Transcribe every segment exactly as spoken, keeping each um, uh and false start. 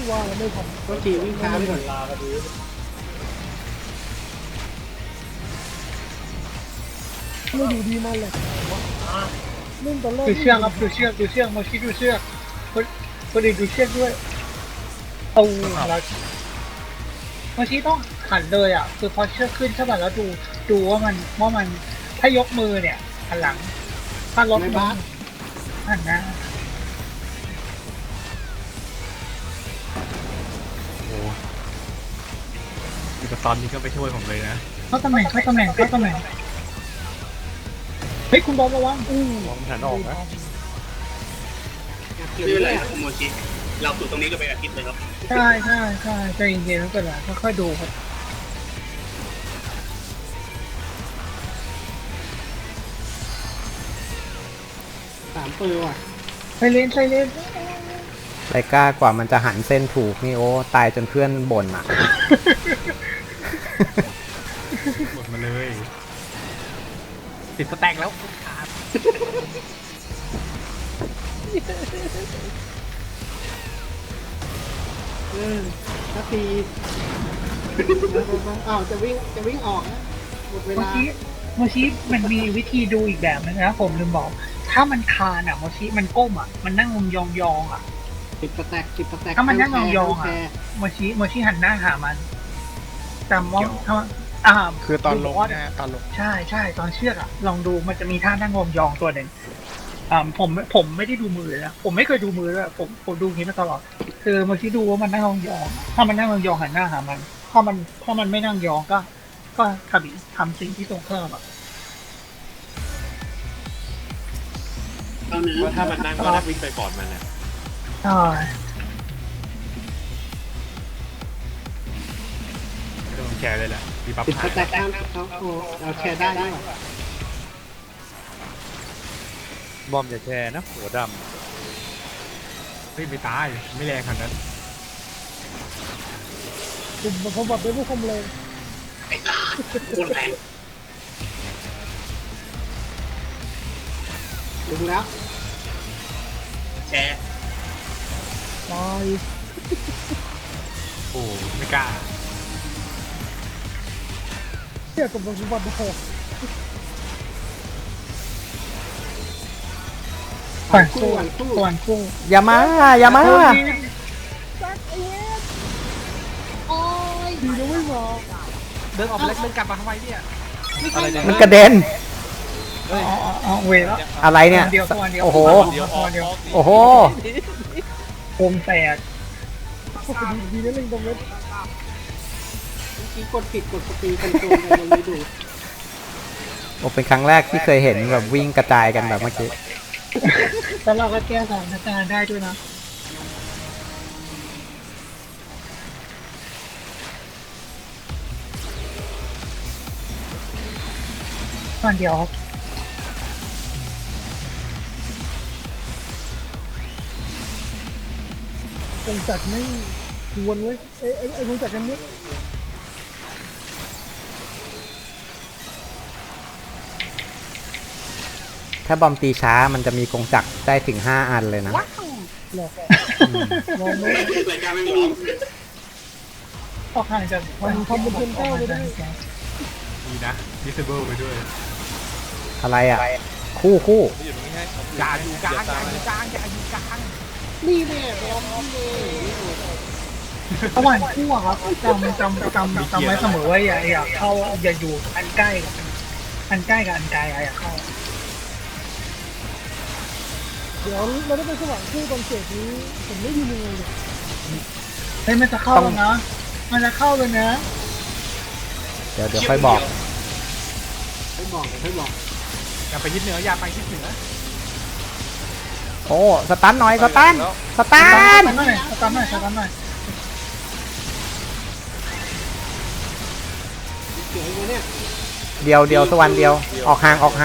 ว่าแล้วไม่ทันก็ทีวิ่งช้าไปก่อนลาพอดีไม่ดูดีมากเลยเล่นตอนแรกดูเชือกครับดูเชือกดูเชือกมาคิดดูเชือกคนคนอื่นดูเชือกด้วยเอาเราเมื่อกี้ต้องหันเลยอ่ะคือพอเชือกขึ้นใช่ป่ะแล้วดูดูว่ามันว่ามันถ้ายกมือเนี่ยหันหลังถ้ารถมือหันหน้าโอ้แต่ตอนนี้ก็ไปช่วยผมเลยนะเข้าตำแหน่งเข้าตำแหน่งเข้าตำแหน่งเฮ้ยคุณบอลระวังอู้มองหันออกนะเกี่ยวไม่เป็นเลไรยครับโมชิเราสู่ตรงนี้ก็เป็นอาทิตย์เลยครับใช่ใช่ใช่ใจเย็นๆไม่เป็นไรค่อยๆดูครับสามปืนว่ะไซเลนไซเลนไรกล้ากว่ามันจะหันเส้นถูกนี่โอ้ตายจนเพื่อนบ่นอ่ะหมดมาเลย ติดสแต็กแล้วขาดเออนาทีอ้าวจะวิ่งจะวิ่งออกนะหมดเวเมื่อลากี้เมื่อกี้มันมีวิธีดูอีกแบบนึงนะผมลืมบอก ถ้ามันคานอ่ะเมื่อกี้มันก้มอ่ะมันนั่งยองยองๆอ่ะสิบสแต็กสิบสแต็กถ้ามันนั่งยองๆอ่ะ เมื่อกี้เมื่อกี้หันหน้าหามันจำว่าถ้าอ่าคือตอนลงดูว่านะตอนลงใช่ใช่ตอนเชือกอะลองดูมันจะมีท่านั่งยองๆตัวหนึ่งอ่าผมผมไม่ได้ดูมือเลยนะผมไม่เคยดูมือเลยผมผมดูอย่างนี้มาตลอด คือเมื่อกี้ดูว่ามันนั่งยองๆถ้ามันนั่งยองๆหันหน้าหามัน ถ้ามันถ้ามันไม่นั่งยองก็ ก็ทำทำสิ่งที่ตรงข้ามอะตอนนี้ว่าถ้ามันนั่งก็นั่งวิ่งไปก่อนมันนะใช่ไม่ต้องแชร์เลยแหละมีปั๊บสิบสถ่ายแต็กข้ามเขาโอ้เราแชร์ได้ด้วยว่ะบอมอย่าแชร์นะหัวดำไม่ไปตายไม่แรงขนาดนั้นกลุ่มมันพบัดด้วยพวกคมเลยไอ้ตาโคตรแรงดึงแล้วแชร์ตายโอ้ไม่กล้าเที่ยกับมันพบัดโอ้ก่อนคู่ก่อนคู่อย่ามาอย่ามาดีนะไม่มาเดินออกไปแล้วเดินกลับมาทำไมเนี่ยอะไรเนี่ยมันกระเด็นอ๋ออ๋ออ๋อเวแล้วอะไรเนี่ยเดียวตัวเดียวโอ้โหเดียวตัวเดียวโอ้โหโคมแตกดีดีนะเล่นตรงนั้นเมื่อกี้กดผิดกดสปีดคอนโทรลอะไรเลยดูโอ้เป็นครั้งแรกที่เคยเห็นแบบวิ่งกระจายกันแบบเมื่อกี้แล้วเราก็แก้สถานการณ์ได้ด้วยนะตอนเดียวครับกงจักรไม่ชวนเว้ยไอ้ไอ้ไอ้กงจักรกันนี้ถ้าบอมตีช้ามันจะมีกงจักรได้ถึงห้าอันเลยนะหลอกมองไม่รายการไม่มองออกห่างจากมันทำเป็นคนเก้าไปได้ดีนะดิสเบิลไปด้วยอะไรอ่ะ คู่คู่อย่าอยู่กลางอย่าอยู่กลางอย่าอยู่กลางนี่แน่บอมนี่แน่ระหว่างคู่อะครับจำจำจำจำไว้เสมอว่าอย่าอย่าเข้าอย่าอยู่อันใกล้กับอันใกล้กับอันไกลอย่าเข้าเดี๋ยวเราได้ไปสว่างคู่ตอนเสร็จนี้ผมไม่ยืนยังไงเนี่ยเฮ้ยมันจะเข้าแล้วนะ มันจะเข้าเลยนะเดี๋ยวเดี๋ยวค่อยบอกให้บอกให้บอกอย่าไปยึดเหนืออย่าไปยึดเหนือโอ้สตันหน่อยสตันสตัสนตาร์ทหน่อยสตาร์ทหน่อยสตาร์ทหน่อยเกี่ยวกับเนี่ยเดียวเดียวสวรรค์เดียวออกห่างออกห่าง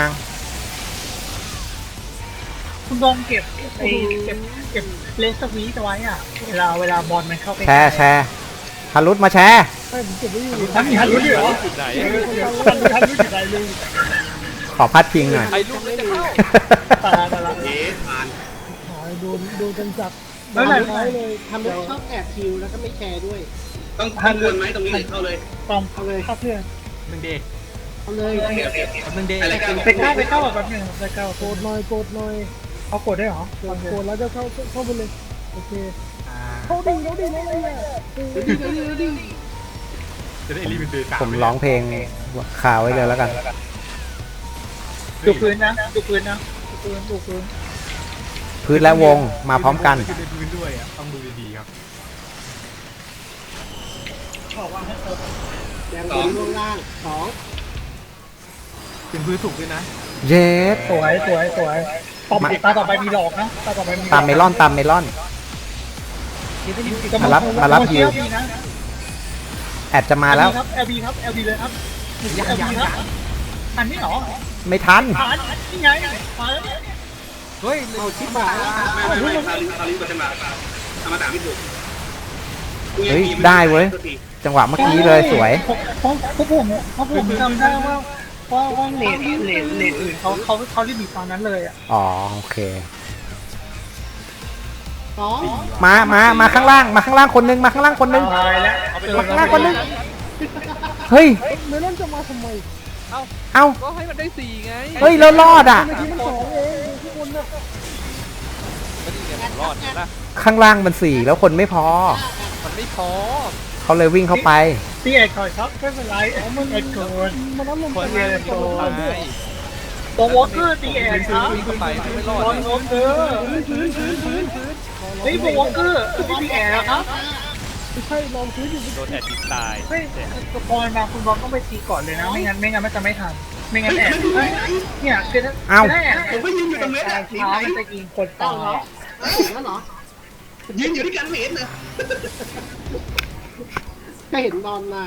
คุณบอมเก็บไอ้เก็บเก็บเลสวีตไว้อ่ะ เวลาเวลาบอลมันเข้าไปแชร์แชร์ฮารุตมาแชร์ใช่ผมเก็บไว้อยู่ทันทันรู้เหรอจุดไหนทันทันรู้จุดไหนลุงขอพัดพิงหน่อยไอ้ลูกไม่ได้เข้าตาตาละเอ๊ะผ่านหายโดนโดนกันจับแล้วไหนท้ายเลยทำให้ชอบแอบคิวแล้วก็ไม่แชร์ด้วยต้องทำวนไหมตรงนี้หรือเข้าเลยตอมเอาเลยเข้าเพื่อนหนึ่งเดย์เอาเลยโอเคโอเคโอเคหนึ่งเดย์อะไรกันไปก้าวไปก้าวแบบนึงไปก้าวโกดหน่อยโกดหน่อยเอากดได้เหรอโกดโกดแล้วจะเข้าเข้าไปเลยโอเคเขาดิ่งเขาดิ่งอะไรเนี่ยเดี๋ยวดิเดี๋ยวดิเดี๋ยวดิจะได้รีบเป็นเดย์ผมร้องเพลงคาไว้เลยแล้วกันดูพื้นนะดูพื้นนะดูพื้นดูพื้นพื้นและวงมาพร้อมกันขึ้นในพื้นด้วยอ่ะต้องดูดีๆครับแดงบนล่วงล่างสองเป็นพื้นสุกด้วยนะเย็ดสวยสวยสวยต่อไปตาต่อไปมีหลอกนะตาต่อไปมีตามเมลอนตามเมลอน มารับมารับฮิวนะแอดจะมาแล้วครับ แอล บี ครับ แอล บี เลยครับ แอล บี ครับอันนี้เหรอไม่ทันผ่านนี่ไงมาแล้วเนี่ยเฮ้ยเอาชิบหายแล้วไม่ไม่ไม่คาริคาริก็จะมาธรรมดาไม่ถูกเฮ้ยได้เว้ย จังหวะเมื่อกี้เลยสวยเพราะเพราะผมเพราะผมจำได้ว่าว่าว่าเลดเลดเลดอื่นเขาเขาเขารีบบีบตอนนั้นเลยอ่ะอ๋อโอเคสองมามามาข้างล่างมาข้างล่างคนนึงมาข้างล่างคนนึงตายแล้วมาข้างล่างคนนึงเฮ้ยเมลอนจะมาทำไมเอ้าก็ให้มันได้สี่ไงเฮ้ยเรารอดอ่ะเมื่อกี้มันสองเองทุกคนน่ะก็นี่ไงผมรอดเห็นปะข้างล่างมันสี่แล้วคนไม่พอมันไม่พอเขาเลยวิ่งเข้าไปตีเอกก่อนครับไม่เป็นไรมันเอกก่อนมันน้ำลมคนไปเดียวโดนไปตัววอลเกอร์ตีเอกครับวิ่งเข้าไปไม่รอดบอลเลวอย ลเกอร์เฮ้ยตัววอลเกอร์ตีเอกครับไม่ใช่ลองซื้ออยู่โดนแอดดิตายเฮ้ยตัวพอมาคุณบอลต้องไปตีก่อนเลยนะไม่งั้นไม่งั้นมันจะไม่ทันไม่งั้นแอบเนี่ยคือถ้าเอ้าถ้าแอบผมก็ยืนอยู่ตรงนี้ช้าสีไหนมันจะยิงคนเก้าตาเหรอย ถึงแล้วเหรอยืนอยู่ที่กันไม่เห็นเลยก็เห็นนอนนาน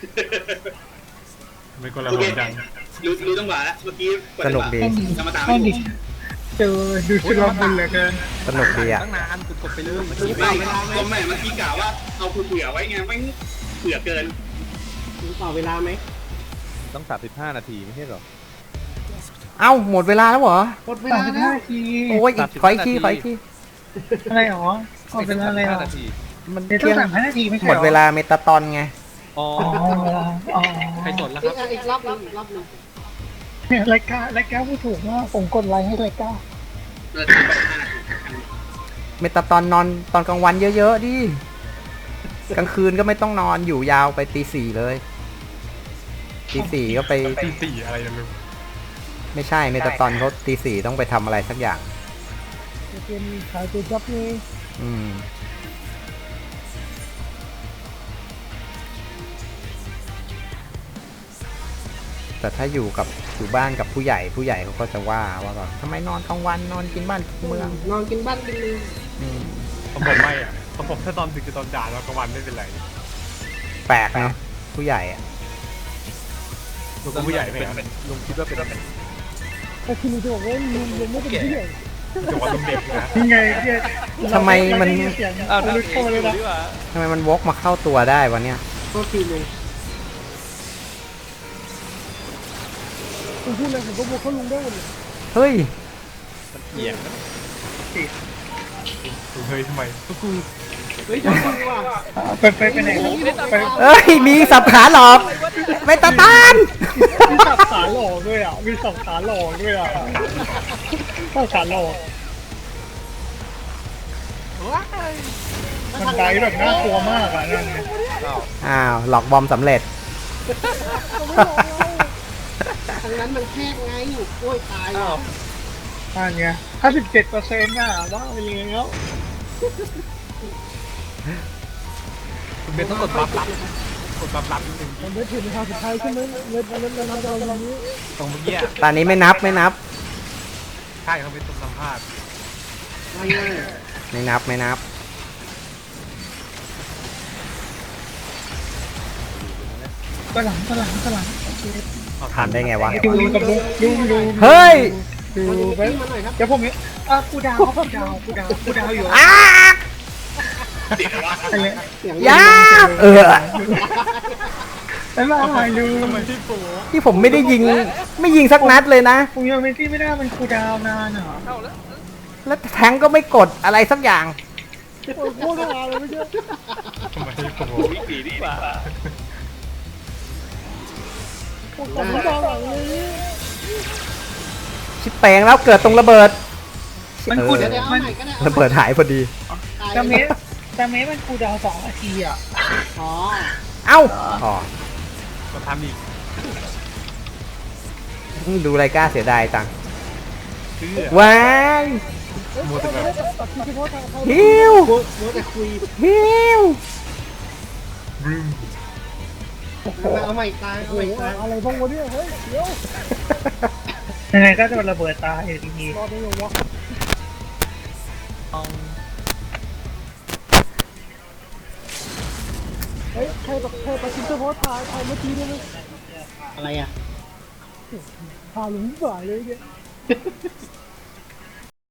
ไม่คนละโอคเคนจังรู้รู้จังหวะแล้วเมื่อกี้สนุกดีธรรมดาต้ไม่องถูดิกเจอดูชุลมุนเหลือเกินสนุกดีอ่ะตั้งนานกดไปเรื่อยไม่ก็ไม่เมื่อกี้กล่าวว่าเอาเผื่อไว้ไงไม่เผื่อเกินถึงต่อเวลาไหมต้องสามสิบห้านาทีไม่ใช่หรอเอ้าหมดเวลาแล้วเหรอหมดเวสาลามสิบแล้ห้าว นาทีโอ้ยอีกขออีกทีขออีกทีอะไรหรอเอาเป็นอะไรหรอนาทีมันเดี๋ยวต้องสามห้านาทีไม่ใช่หมดเวลาเมตาตอนไงอ๋ออ๋ออ๋อใครสนแล้วคอีรับกอีกรอบนึงอีกรอบนึงเนี่ยรายการรายการพูดถูกว่าผมกดไลค์ให้รายการเออถึงไปห้านาทีเมตาตอนนอนตอนกลางวันเยอะๆดิ กลางคืนก็ไม่ต้องนอนอยู่ยาวไปตีสี่เลย ตีสี่ก็ไปตีสี่อะไรนะลุงไม่ใช่เมตาตอนเขาตีสี่ต้องไปทำอะไรสักอย่างเกมขายตัวจับนี่อืม แต่ถ้าอยู่กับอยู่บ้านกับผู้ใหญ่ผู้ใหญ่เขาก็จะว่าว่าแบบทำไมนอนกลางวันนอนกินบ้านกินเมืองนอนกินบ้านกินเมืองอืมของผมไม่อ่ะของผมถ้าตอนดึกกับตอนด่าแล้วกลางวันไม่เป็นไรแปลกเนาะผู้ใหญ่อะลุงก็ผู้ใหญ่ไหมครับลุงคิดว่าเป็นอะไรแต่คือลุงจะบอกว่าลุงยังไม่เป็นผู้ใหญ่จังหวะลุงเด็กนะยังไงเนี่ยทำไมมันเสียงอ้าวนั่นลุเอกโทรเลยงนะดีกว่าทำไมมันวกมาเข้าตัวได้วะเนี่ยโทษทีลุงผมพูดอะไรผมก็บอกเขาลุงได้หมดเลยเฮ้ยมันเอียงนะลุงเฮ้ยทำไมก็กูเฮ้ยจริงว่ะไปไปไปไหนครับไปเอ้ย มีสับขาหลอกเมตาตานมีสับขาหลอกด้วยอ่ะมีสับขาหลอกด้วยอ่ะสับขาหลอกมันไดแบบน่ากลัวมากอ่ะนั่นเนี่ยอ้าวอ้าว หลอกบอมสำเร็จทางนั้นมันแคบไงโอ้ยตายอ้าวนั่นไงห้าสิบเจ็ดเปอร์เซ็นต์น่ะบ้าไปแล้วคุณเบนต้องกดบัฟรับกดบัฟรับนิดนึงมันได้ถึงทางสุดท้ายใช่ไหมเล่นเล่นเล่นน้ำเราอย่างนี้ตรงเมื่อกี้ตอนนี้ไม่นับไม่นับใช่เขาเป็นตรงสัมภาษณ์ไม่เลยไม่นับไม่นับกระหลังกระหลังกระหลังทันได้ไงวะดูกับดูดูดูเฮ้ยดูเอาไปดิมาหน่อยครับเดี๋ยวผมเนี่ยอ่ะกูดาวกูดาวกูดาวกูดาวอยู่อ้าเสียงว่าอะไรเสียงยาเออแล้วมาหายดูทำไมที่โป้ที่ผมไม่ได้ยิง ไม่ยิงสักนัดเลยนะผมยังไม่ที่ไม่ได้มันกูดาวนานเหรอเข้าแล้วแล้วแทงก็ไม่กดอะไรสักอย่างโอ้ยโคตรฮาเลยเมื่อกี้ทำไมผมวิ่งหนีดีกว่าโอ้ยผมตาหลังเลยชิปแปลงแล้วเกิดตรงระเบิดมันเอคูอดเดี๋ยวเดี๋ยวเอามันใหม่ก็ได้ระเบิดหายพอดีตายดาเมจดาเมจมันคูลดาวน์สองนาทีอ่ะอ๋อเอ้าอ๋อก็ทำอีกดูไรกล้าเสียดายตังค์เชื่อว้ายมัวแต่แบบตัดทีเฉพาะทางเข้าฮิวมัวมัวแต่คุยฮิวรึมเอาใหม่ตายเอาโอ้ใหม่โหตายอะไรบ้างวะเนี่ยเฮ้ยเดี๋ยวยังไงก็จะระเบิดตายอยู่ดีรอได้ยังวะเฮ้ยใครแบบใครตัดทีเฉพาะทางทางเมื่อกี้ได้ไหมอะไรอ่ะพาหลุมบ่ายเลยเนี่ย